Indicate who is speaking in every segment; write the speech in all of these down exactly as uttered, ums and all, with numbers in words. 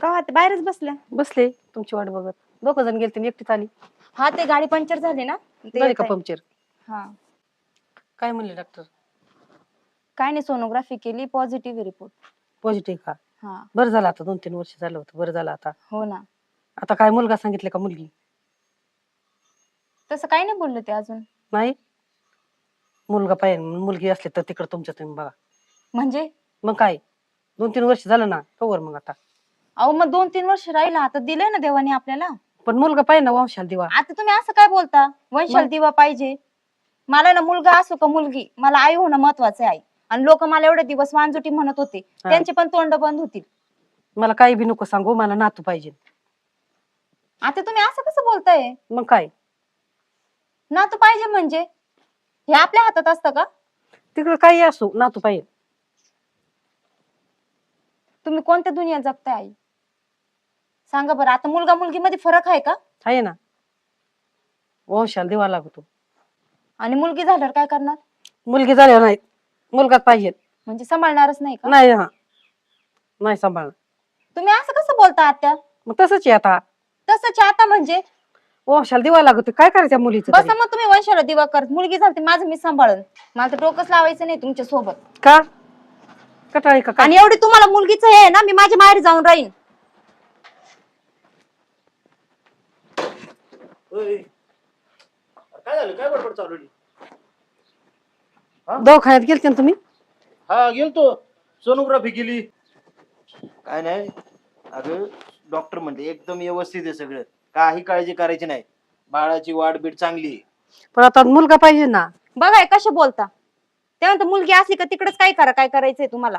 Speaker 1: का ते बाहेरच बसल्या?
Speaker 2: बसले तुमची वाट बघत. दोघ जण गेलते एकटीच आली.
Speaker 1: हा ते गाडी पंक्चर झाली ना ते
Speaker 2: झाली
Speaker 1: येत
Speaker 2: का
Speaker 1: आहे.
Speaker 2: पंक्चर?
Speaker 1: हा
Speaker 2: काय म्हणले डॉक्टर?
Speaker 1: काय नाही सोनोग्राफी केली पॉझिटिव्ह रिपोर्ट.
Speaker 2: पॉझिटिव्ह का?
Speaker 1: हा
Speaker 2: बरं झालं आता दोन तीन वर्ष झालं होतं बरं झालं आता.
Speaker 1: हो ना.
Speaker 2: आता काय मुलगा सांगितलं का मुलगी?
Speaker 1: तसं काही नाही बोलले ते अजून.
Speaker 2: नाही मुलगा पाहिजे मुलगी असली तर तिकडे तुमच्या तुम्ही बघा.
Speaker 1: म्हणजे
Speaker 2: मग काय दोन तीन वर्ष झालं ना कवर मग आता.
Speaker 1: अहो मग दोन तीन वर्ष राहिला आता दिलंय ना देवाने आपल्याला.
Speaker 2: पण मुलगा पाहिजे ना वंशाला दिवा.
Speaker 1: आता तुम्ही असं काय बोलता वंशाल दिवा पाहिजे? मला ना मुलगा असो का मुलगी मला आई होणं महत्वाचं आहे. आणि लोक मला एवढे दिवस वांजुटी म्हणत होते त्यांचे पण तोंड बंद होतील.
Speaker 2: मला काही बी नको सांगू मला नातू पाहिजे.
Speaker 1: आता तुम्ही असं कसं बोलताय?
Speaker 2: मग काय
Speaker 1: नातू पाहिजे म्हणजे हे आपल्या हातात असतं का?
Speaker 2: तिकडे काही असो नातू पाहिजे.
Speaker 1: तुम्ही कोणत्या दुनिया जगताय आई? सांगा बरं. आता मुलगा मुलगी मध्ये फरक आहे का?
Speaker 2: आहे ना वंशाला दिवा लागतो.
Speaker 1: आणि मुलगी झाल्यावर काय करणार?
Speaker 2: मुलगी झाल्यावर नाही मुलगाच पाहिजे.
Speaker 1: म्हणजे सांभाळणारच नाही का?
Speaker 2: नाही हा नाही सांभाळणार.
Speaker 1: तुम्ही असं कसं बोलता आत्या?
Speaker 2: मग तसंच आहे आता.
Speaker 1: तसंच आता म्हणजे
Speaker 2: वंशाला दिवा लागतो काय करायचं मुलीचं
Speaker 1: बस
Speaker 2: तरी?
Speaker 1: मग तुम्ही वंशाला दिवा कर. मुलगी झाली माझं मी सांभाळन. मला तर डोकंच लावायचं नाही तुमच्या सोबत.
Speaker 2: का कटाळी का काय?
Speaker 1: आणि एवढी तुम्हाला मुलगीच हे आहे ना मी माझ्या माहेरी जाऊन राहीन.
Speaker 3: काय झालं काय बडबड चालू आहे?
Speaker 2: दवाखान्यात गेलते ना तुम्ही?
Speaker 3: हा गेलतो सोनोग्राफी केली. काय नाही अगं डॉक्टर म्हणते एकदम व्यवस्थित आहे सगळं काही काळजी करायची नाही बाळाची वाढ बीड चांगली आहे.
Speaker 2: पण आता मुलगा पाहिजे ना.
Speaker 1: बघा हे कसे बोलता. त्यानंतर मुलगी असली का तिकडेच काय करा काय करायचंय तुम्हाला.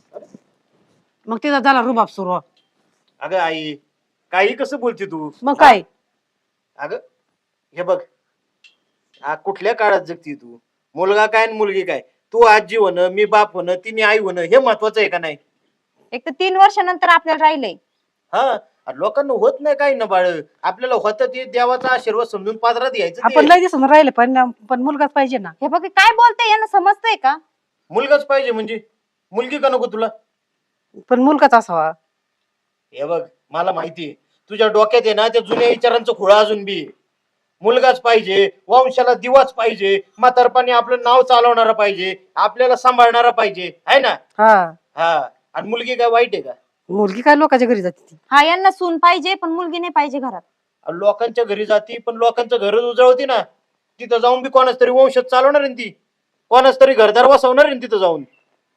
Speaker 2: मग तिचा झाला रुबाब सुरू.
Speaker 3: अगं आई काही कसं बोलते तू?
Speaker 2: मग काय
Speaker 3: अगं हे बघ आ, कुठल्या काळात जगती तू? मुलगा काय आणि मुलगी काय? तू आजी होणं मी बाप होणं तिने आई होणं हे महत्वाचं आहे का नाही?
Speaker 1: एक तर तीन वर्षानंतर आपल्याला राहिलंय.
Speaker 3: हा लोकांना होत नाही काही ना बाळ आपल्याला होतं ते देवाचा आशीर्वाद समजून पादरात घ्यायचं ते.
Speaker 2: आपण लय दिसून राहिले पण पण मुलगाच पाहिजे ना.
Speaker 1: हे बघ काय बोलताय यांना समजतंय का?
Speaker 3: मुलगाच पाहिजे म्हणजे मुलगी का नको तुला?
Speaker 2: पण मुलगाच असावा.
Speaker 3: हे बघ मला माहितीये तुझ्या डोक्यात आहे ना त्या जुन्या विचारांचं खुळा अजून बी. मुलगाच पाहिजे वंशाला दिवाच पाहिजे म्हातारपणी आपलं नाव चालवणारा पाहिजे आपल्याला सांभाळणारा पाहिजे आहे ना.
Speaker 2: हा
Speaker 3: हा आणि मुलगी काय वाईट आहे का?
Speaker 2: मुलगी काय लोकांच्या घरी जाते ती.
Speaker 1: हा यांना सून पाहिजे पण मुलगी नाही पाहिजे घरात.
Speaker 3: आणि लोकांच्या घरी जाती पण लोकांचं घर उजळवती ना. तिथं जाऊन बी कोणाच तरी वंशात चालवणार आहे ती कोणाच तरी घरदार वसवणार आहे तिथं जाऊन.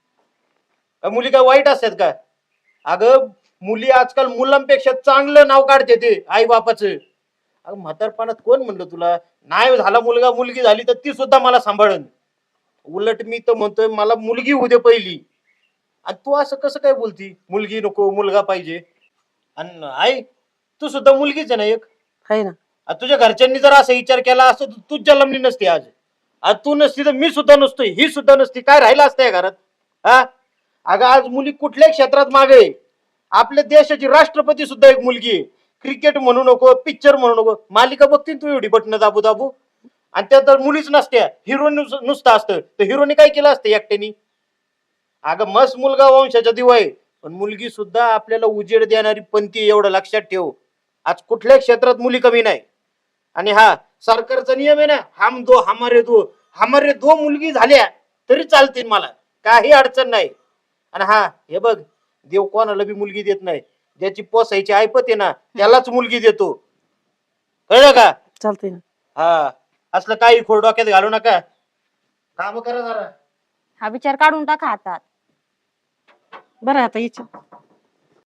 Speaker 3: मुली काय वाईट असतात का? अगं मुली आजकाल मुलांपेक्षा चांगलं नाव काढते ते आई बापाचं. अगं म्हातारपणात कोण म्हणलं तुला नाही झाला मुलगा मुलगी झाली तर ती सुद्धा मला सांभाळन. उलट मी तर म्हणतोय मला मुलगी होऊ दे पहिली. आणि तू असं कसं काय बोलती मुलगी नको मुलगा पाहिजे? आणि आई तू सुद्धा मुलगीच आहे ना एक.
Speaker 2: आहे ना.
Speaker 3: आणि तुझ्या घरच्यांनी जर असा विचार केला असता तर तूच जन्मली नसती आज. आज तू नसती तर मी सुद्धा नसतोय ही सुद्धा नसती काय राहिला असतं या घरात? हा अगं आज मुली कुठल्याही क्षेत्रात मागे आहे. आपल्या देशाची राष्ट्रपती सुद्धा एक मुलगी आहे. क्रिकेट म्हणू नको पिक्चर म्हणू नको मालिका बघतील तू एवढी बटणं दाबू दाबू आणि त्या तर मुलीच नसत्या हिरो नुसतं असतं तर हिरोनी काय केलं असतं एकट्यानी? अगं मस्त मुलगा वंशाचा दिवा आहे पण मुलगी सुद्धा आपल्याला उजेड देणारी पंथी एवढं लक्षात ठेव. आज कुठल्याही क्षेत्रात मुली कमी नाही. आणि हा सरकारचा नियम आहे ना हम दो हमारे दो हमारे दो मुलगी झाल्या तरी चालतील मला काही अडचण नाही. आणि हा हे बघ देव कोणाला बी मुलगी देत नाही ज्याची पोसायची ऐपत आहे ना त्यालाच मुलगी देतो कळलं का?
Speaker 2: चालतंय ना.
Speaker 3: हा असलं काही खोड डोक्यात घालू नका काम करा जरा.
Speaker 1: हा विचार काढून टाका हातात.
Speaker 2: बरं आता याच्या